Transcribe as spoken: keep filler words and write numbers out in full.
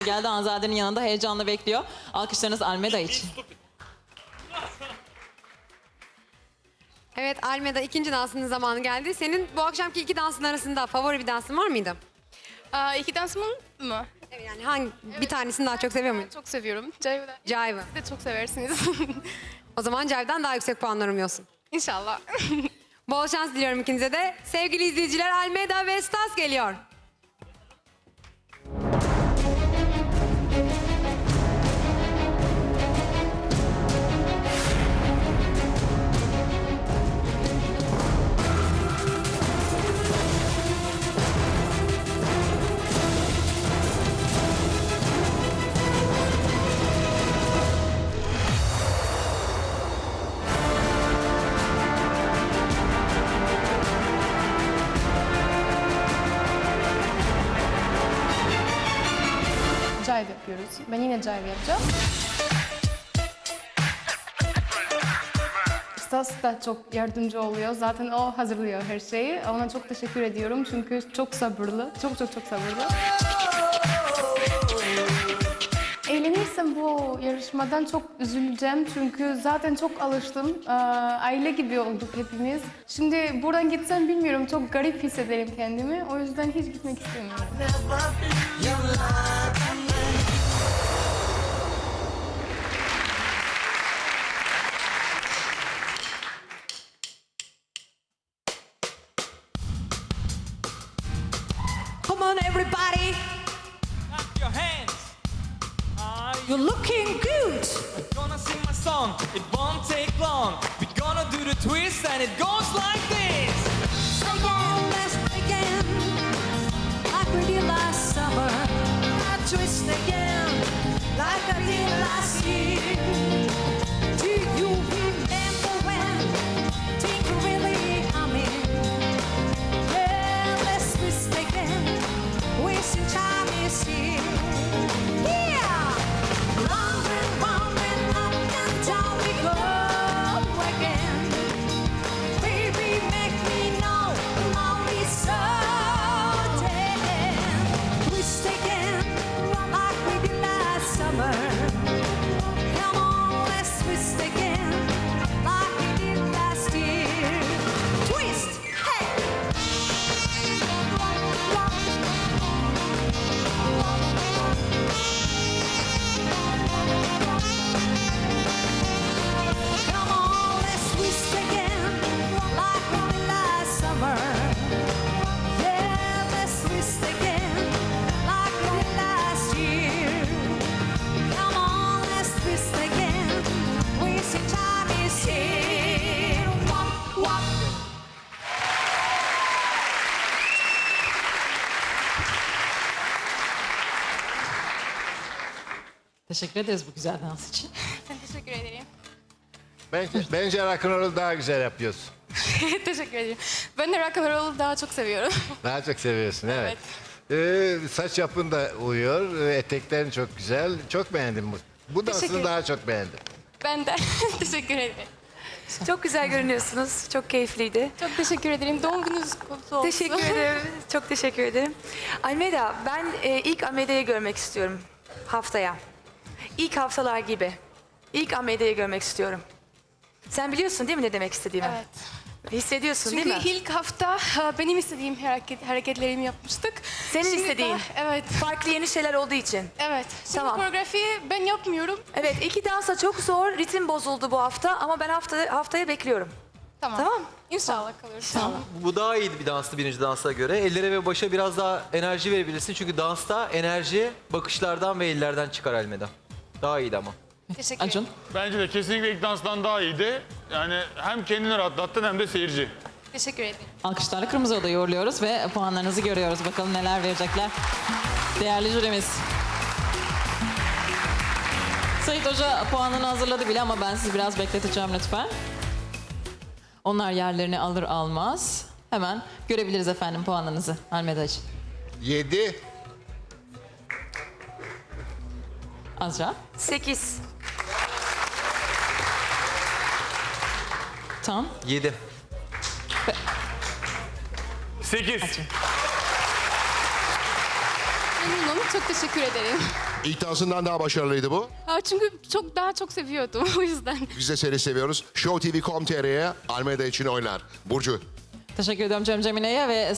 Geldi Hanzade'nin yanında heyecanla bekliyor. Alkışlarınız Almeda için. Evet Almeda, ikinci dansının zamanı geldi. Senin bu akşamki iki dansın arasında favori bir dansın var mıydı? Aa, iki dansımın mı? Evet, yani hangi bir tanesini daha çok seviyor muydun? Çok seviyorum. Jive'ı Jive'ı. Siz de çok seversiniz. O zaman Jive'den daha yüksek puanlar umuyorsun. İnşallah. Bol şans diliyorum ikinize de. Sevgili izleyiciler, Almeda ve Stas geliyor. Jive yapıyoruz. Ben yine jive yapacağım. Stas da çok yardımcı oluyor. Zaten o hazırlıyor her şeyi. Ona çok teşekkür ediyorum çünkü çok sabırlı. Çok çok çok sabırlı. Eğlenirsem bu yarışmadan çok üzüleceğim çünkü zaten çok alıştım. Ee, Aile gibi olduk hepimiz. Şimdi buradan gitsem bilmiyorum, çok garip hissederim kendimi. O yüzden hiç gitmek istemiyorum. Come on, everybody. Clap your hands. Are you You're looking good. gonna sing my song? It won't take long. We're gonna do the twist and it goes like this. Again, let's begin. Like we did last summer. I twist again. Like I did last year. Do you remember when things were really humming? Yeah, let's twist again. Wasting time is here. Yeah! Round and round and up and down we go again. Baby, make me know now it's certain. Twist again, like we did last summer. Come on, let's twist again, like we did last year. Twist, hey! Come on, let's twist again, like we did last summer. Yeah, let's twist again, like we did last year. Come on, let's twist again, wasting time is here. Wop, wop. Teşekkür ederiz bu güzel dans için. Ben teşekkür ederim. Bence, bence rock'n'roll'u daha güzel yapıyorsun. Teşekkür ederim. Ben de rock and roll'u daha çok seviyorum. Daha çok seviyorsun, evet. Ee, saç yapın da uyuyor, ee, eteklerin çok güzel. Çok beğendim bu. Bu Teşekkür dansını ederim. daha çok beğendim. Ben de teşekkür ederim. Çok güzel görünüyorsunuz. Çok keyifliydi. Çok teşekkür ederim. Doğum gününüz kutlu olsun. Teşekkür ederim. Çok teşekkür ederim. Almeda, ben e, ilk Almeda'yı görmek istiyorum haftaya. İlk haftalar gibi. İlk Almeda'yı görmek istiyorum. Sen biliyorsun değil mi ne demek istediğimi? Evet. Hissediyorsun Çünkü değil mi? ilk hafta ha, benim istediğim hareket, hareketlerimi yapmıştık. Senin Şimdi istediğin. daha- evet. Farklı yeni şeyler olduğu için. Evet. Şimdi Tamam. koreografiyi ben yapmıyorum. Evet, iki dansa çok zor. Ritim bozuldu bu hafta ama ben hafta, haftaya bekliyorum. Tamam. Tamam. İnşallah kalırız. Bu daha iyiydi bir danstı birinci dansa göre. Ellere ve başa biraz daha enerji verebilirsin. Çünkü dansta enerji bakışlardan ve ellerden çıkar Almeda. Daha iyiydi ama. Teşekkür Acun. ederim. Bence de kesinlikle ilk danstan daha iyiydi. Yani hem kendini rahatlattın hem de seyirci. Teşekkür ederim. Alkışlarla Kırmızı Oda'yı uğurluyoruz ve puanlarınızı görüyoruz. Bakalım neler verecekler. Değerli jürimiz. Sait Hoca puanını hazırladı bile ama ben sizi biraz bekleteceğim lütfen. Onlar yerlerini alır almaz. Hemen görebiliriz efendim puanlarınızı Almeda için. Yedi. Azra. Sekiz. Tan. Yedi. Sekiz. Memnunum. Çok teşekkür ederim. İlk dansından daha başarılıydı bu. Ha, çünkü çok daha çok seviyordum o yüzden. Biz de seni seviyoruz. Show T V nokta com nokta tr'ye Almeda için oynar. Burcu. Teşekkür ediyorum Cem Cemile'ye ve